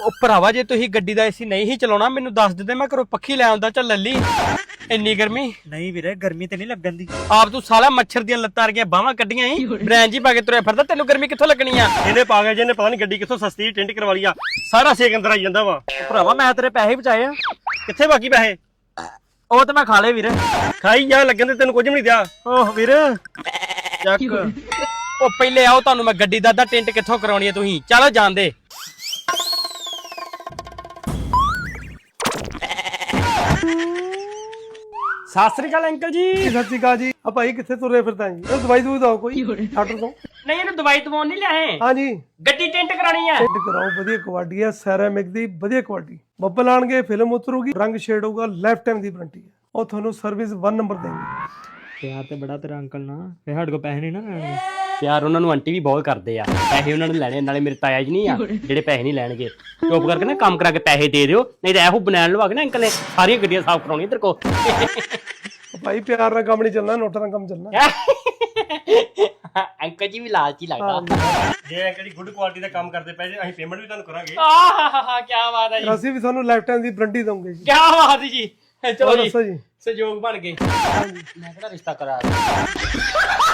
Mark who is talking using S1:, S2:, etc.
S1: ਉਹ ਭਰਾਵਾ ਜੇ ਤੁਸੀਂ ਗੱਡੀ ਦਾ ਏਸੀ ਨਹੀਂ ਹੀ ਚਲਾਉਣਾ ਮੈਨੂੰ ਦੱਸ ਦਿੰਦੇ, ਮੈਂ ਘਰੋਂ ਪੱਖੀ ਲੈ ਆਉਂਦਾ। ਚੱਲ ਲੱਲੀ, ਇੰਨੀ ਗਰਮੀ
S2: ਨਹੀਂ ਵੀਰੇ, ਗਰਮੀ ਤੇ ਨਹੀਂ ਲੱਗਣ ਦੀ।
S1: ਆਪ ਤੂੰ ਸਾਲਾ ਮੱਛਰ ਦੀਆਂ ਲੱਤਾਂ ਰਗੀਆਂ ਬਾਹਾਂ ਕੱਢੀਆਂ ਹੀ ਬ੍ਰੈਂਚ ਹੀ ਪਾ ਕੇ ਤੁਰਿਆ ਫਿਰਦਾ, ਤੈਨੂੰ ਗਰਮੀ ਕਿੱਥੋਂ ਲੱਗਣੀ ਆ?
S3: ਇਹਨੇ ਪਾ ਗਿਆ ਜਿਹਨੇ ਪਤਾ ਨਹੀਂ ਗੱਡੀ ਕਿੱਥੋਂ ਸਸਤੀ ਟਿੰਟ ਕਰਵਾ ਲਈ ਆ, ਸਾਰਾ ਸੇਕ ਅੰਦਰ ਆਈ ਜਾਂਦਾ ਵਾ।
S2: ਭਰਾਵਾ ਮੈਂ ਤੇਰੇ ਪੈਸੇ ਹੀ ਬਚਾਏ ਆ।
S3: ਕਿੱਥੇ ਬਾਕੀ ਪੈਸੇ?
S2: ਉਹ ਤੇ ਮੈਂ ਖਾ ਲਏ ਵੀਰੇ।
S3: ਖਾਈ ਜਾ, ਲੱਗਣ ਤੇ ਤੈਨੂੰ ਕੁਝ ਵੀ ਨਹੀਂ ਦਿਆ।
S2: ਓਹ ਵੀਰੇ
S1: ਚੱਕ ਉਹ ਪਹਿਲੇ ਆਓ, ਤੁਹਾਨੂੰ ਮੈਂ ਗੱਡੀ ਦਾ ਅੱਧਾ ਟਿੰਟ ਕਿੱਥੋਂ ਕਰਾਉਣੀ ਆ ਤੁਸੀਂ। ਚਲੋ ਜਾਂਦੇ। ਸਤਿ ਸ੍ਰੀ ਅਕਾਲ ਅੰਕਲ ਜੀ।
S4: ਸਤਿ ਸ਼੍ਰੀ ਅਕਾਲ ਜੀ। ਆ ਭਾਈ ਕਿੱਥੇ ਤੁਰੇ ਫਿਰਦਾ ਜੀ? ਇਹ ਦਵਾਈ ਦੂਈ ਦਿਓ ਕੋਈ ਡਾਕਟਰ ਤੋਂ।
S1: ਨਹੀਂ ਇਹਨੂੰ ਦਵਾਈ ਦਵਾਉਣ ਨਹੀਂ ਲਿਆਏ,
S4: ਹਾਂਜੀ
S1: ਗੱਡੀ ਟਿੰਟ ਕਰਾਣੀ ਆ।
S4: ਟਿੰਟ ਕਰਾਓ, ਵਧੀਆ ਕੁਆਲਿਟੀ ਹੈ, ਸੈਰਾਮਿਕ ਦੀ ਵਧੀਆ ਕੁਆਲਿਟੀ। ਬੱਬਲ ਆਣਗੇ, ਫਿਲਮ ਉਤਰੂਗੀ, ਰੰਗ ਸ਼ੇਡ ਹੋਊਗਾ, ਲਾਈਫ ਟਾਈਮ ਦੀ ਵਾਰੰਟੀ ਹੈ। ਉਹ ਤੁਹਾਨੂੰ ਸਰਵਿਸ 1 ਨੰਬਰ ਦੇਣਗੇ।
S2: ਪਿਆਰ ਤੇ ਬੜਾ ਤੇਰਾ ਅੰਕਲ ਨਾਲ, ਫੇ ਸਾਡੇ ਕੋਲ ਪੈਸੇ ਨਹੀਂ ਨਾ ਲੈਣੇ।
S1: ਪਿਆਰ ਉਹਨਾਂ ਨੂੰ ਆਂਟੀ ਵੀ ਬਹੁਤ ਕਰਦੇ ਆ, ਪੈਸੇ ਉਹਨਾਂ ਨੂੰ ਲੈਣੇ। ਨਾਲੇ ਮੇਰੇ ਤਾਇਆ ਜੀ ਨਹੀਂ ਆ ਜਿਹੜੇ ਪੈਸੇ ਨਹੀਂ ਲੈਣਗੇ। ਚੁੱਪ ਕਰਕੇ ਨਾ ਕੰਮ ਕਰਾ ਕੇ ਪੈਸੇ ਦੇ ਦਿਓ, ਨਹੀਂ ਤਾਂ ਇਹੋ ਬਨੈਣ ਲਵਾ ਕੇ ਨਾ ਅੰਕਲ ਨੇ ਸਾਰੀਆਂ ਗੱਡੀਆਂ ਸਾਫ਼ ਕਰਾਉਣੀਆਂ ਤੇਰੇ ਕੋਲ।
S4: ਭਾਈ ਪਿਆਰ ਨਾਲ ਕੰਮ ਨਹੀਂ ਚੱਲਣਾ, ਨੋਟਾਂ ਨਾਲ ਕੰਮ ਚੱਲਣਾ।
S1: ਅੰਕਲ ਜੀ ਵੀ ਲਾਲਚੀ ਲੱਗਦਾ।
S3: ਜੇ ਅੰਕਲ ਜੀ ਗੁੱਡ ਕੁਆਲਿਟੀ ਦਾ ਕੰਮ ਕਰਦੇ ਪਏ ਜੇ ਅਸੀਂ ਪੇਮੈਂਟ ਵੀ ਤੁਹਾਨੂੰ ਕਰਾਂਗੇ।
S1: ਆਹਾ ਕੀ ਬਾਤ ਹੈ ਜੀ,
S4: ਅਸੀਂ ਵੀ ਤੁਹਾਨੂੰ ਲਾਈਫ ਟਾਈਮ ਦੀ ਵਾਰੰਟੀ ਦਵਾਂਗੇ ਜੀ।
S1: ਕੀ ਬਾਤ ਹੈ ਜੀ। ਚਲੋ ਜੀ,
S4: ਦੱਸੋ ਜੀ।
S1: ਸਹਿਯੋਗ ਬਣ ਗਏ। ਮੈਂ ਕਿਹੜਾ ਰਿਸ਼ਤਾ ਕਰਾ